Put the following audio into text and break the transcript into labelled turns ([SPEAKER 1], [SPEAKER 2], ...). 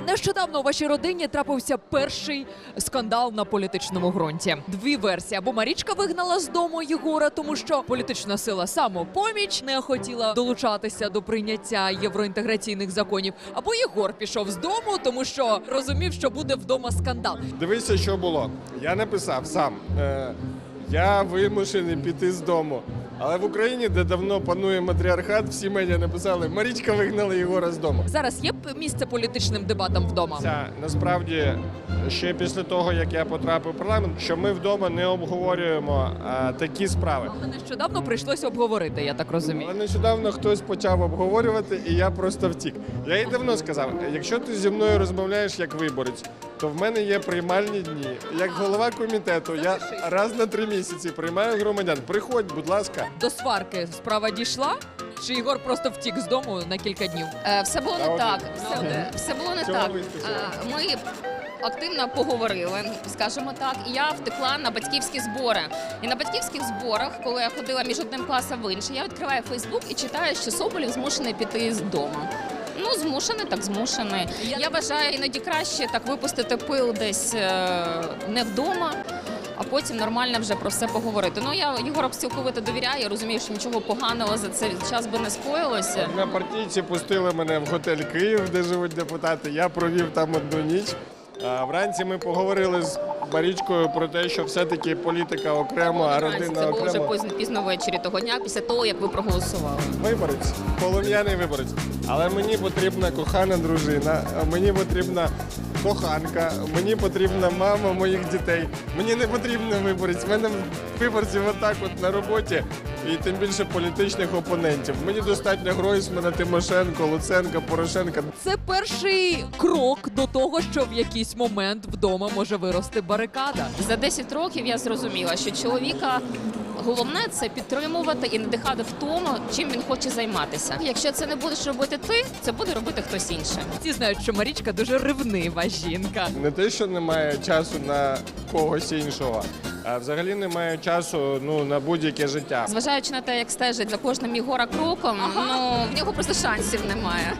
[SPEAKER 1] Нещодавно у вашій родині трапився перший скандал на політичному ґрунті. Дві версії. Або Марічка вигнала з дому Єгора, тому що політична сила «Самопоміч» не хотіла долучатися до прийняття євроінтеграційних законів, або Єгор пішов з дому, тому що розумів, що буде вдома скандал.
[SPEAKER 2] Дивися, що було. Я написав сам. Я вимушений піти з дому. Але в Україні, де давно панує матріархат, всі медіа написали: Марічка вигнала Єгора з дому.
[SPEAKER 1] Зараз є місце політичним дебатам вдома?
[SPEAKER 2] Насправді, ще після того, як я потрапив в парламент, що ми вдома не обговорюємо такі справи.
[SPEAKER 1] Але нещодавно прийшлося обговорити, я так розумію.
[SPEAKER 2] Але нещодавно хтось почав обговорювати, і я просто втік. Я їй давно сказав, якщо ти зі мною розмовляєш як виборець, то в мене є приймальні дні. Як голова комітету, я раз на 3 місяці приймаю громадян. Приходь, будь ласка.
[SPEAKER 1] До сварки справа дійшла? Чи Єгор просто втік з дому на кілька днів?
[SPEAKER 3] Все було не так. Все було не
[SPEAKER 2] Цього
[SPEAKER 3] так.
[SPEAKER 2] вистачило.
[SPEAKER 3] Ми активно поговорили, скажімо так, і я втекла на батьківські збори. І на батьківських зборах, коли я ходила між одним класом в інший, я відкриваю Фейсбук і читаю, що Соболєв змушений піти з дому. Ну, змушений, так змушений. Я вважаю, іноді краще так випустити пил десь не вдома, а потім нормально вже про все поговорити. Ну, я Єгору цілковито довіряю, я розумію, що нічого поганого за цей час би не скоїлося.
[SPEAKER 2] На партійці пустили мене в готель «Київ», де живуть депутати. Я провів там одну ніч. Вранці ми поговорили з Марічкою про те, що все-таки політика окремо, а родина
[SPEAKER 3] Це було вже
[SPEAKER 2] окремо.
[SPEAKER 3] пізно ввечері того дня, після того, як ви проголосували.
[SPEAKER 2] Виборець, полум'яний виборець. Але мені потрібна кохана дружина, мені потрібна коханка, мені потрібна мама моїх дітей. Мені не потрібен виборець. В мене виборців отак от на роботі, і тим більше політичних опонентів. Мені достатньо Гройсмана, Тимошенко, Луценка, Порошенка.
[SPEAKER 1] Це перший крок до того, що в якийсь момент вдома може вирости барикада.
[SPEAKER 3] За 10 років я зрозуміла, що чоловіка головне – це підтримувати і надихати в тому, чим він хоче займатися. Якщо це не будеш робити ти, це буде робити хтось інший.
[SPEAKER 1] Всі знають, що Марічка дуже ревнива жінка.
[SPEAKER 2] Не те, що немає часу на когось іншого, а взагалі немає часу на будь-яке життя.
[SPEAKER 3] Зважаючи на те, як стежить за кожним Єгора кроком, ну, в нього просто шансів немає.